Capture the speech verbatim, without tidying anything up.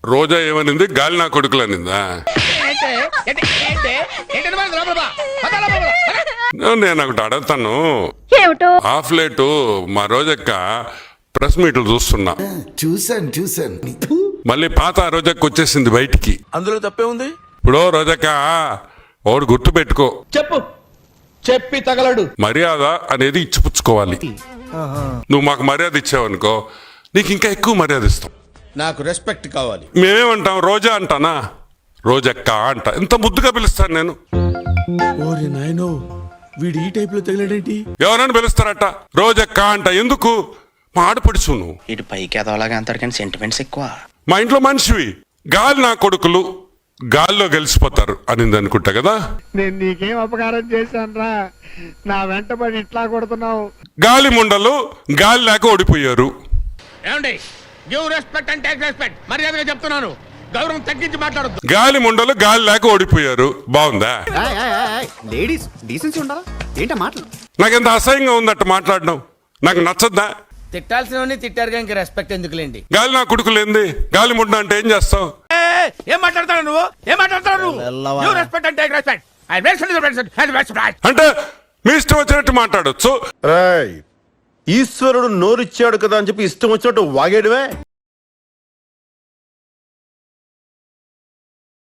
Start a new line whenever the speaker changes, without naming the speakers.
రోజా ఏమనింది? గాలి నా కొడుకులు అనిందా? నేను ఒకటి అడుగుతాను, హాఫ్ లేటు మా రోజక్క ప్రెస్ మీట్లు చూస్తున్నా,
చూసాను చూసాను
మళ్ళీ పాత రోజక్క వచ్చేసింది బయటికి.
అందులో తప్పే ఉంది.
ఇప్పుడు రోజక్క ఒకటి గుర్తు పెట్టుకో,
చెప్పు చెప్పి తగలడు.
మర్యాద అనేది ఇచ్చిపుచ్చుకోవాలి. నువ్వు మాకు మర్యాద ఇచ్చావనుకో నీకు ఇంకా ఎక్కువ మర్యాద ఇస్తాం.
నాకు రెస్పెక్ట్ కావాలి.
మేమేమంటాం? రోజా అంటానా? రోజక్క అంట. ఎంత ముద్దుగా పిలుస్తాను నేను.
ఓరి నాయనో, వీడు ఈ టైప్ లో తగిలాడేంటి?
ఎవరైనా పిలుస్తారట రోజక్క అంట. ఎందుకు? మా ఆడపడుచు నువ్వు.
ఇటు పైకి ఎదవలాగా అంటారు కానీ సెంటిమెంట్స్ ఎక్కువ.
మా ఇంట్లో మనిషివి. గాలి నా కొడుకులు గాల్లో గెలిచిపోతారు అనింది అనుకుంటా కదా.
నేను నీకేం అపకారం చేశాను రా, నా వెంటబడి ఇట్లా కొడుతున్నావు.
గాలి ముండలు గాలి లేక ఓడిపోయారు.
ఏమండి, give respect and take respect. మర్యాదగా చెప్తున్నాను, గౌరవం తగ్గించి మాట్లాడొద్దు.
గాలి ముండలు గాలి లేక ఓడిపోయారు. బాగుందా?
లేడీస్ డీసెన్సీ ఉండాలా ఏంటా మాటలు?
నాకెంత అసహ్యంగా ఉందట మాట్లాడడం. నాకు నచ్చద్దా?
తిట్టాల్సినవన్నీ తిట్టారు కానీ రెస్పెక్ట్ ఎందుకులేండి.
గాలి నా కొడుకులు ఏంది? గాలి ముండ అంటే ఏం చేస్తావు?
ఏం మాట్లాడతావు నువ్వు? ఏం మాట్లాడతావు నువ్వు? Give respect and take respect. I respect.
అంటే మీ ఇష్టం వచ్చినట్టు మాట్లాడొచ్చు.
ఈశ్వరుడు నోరిచ్చాడు కదా అని చెప్పి ఇష్టం వచ్చినట్టు వాగేడువే.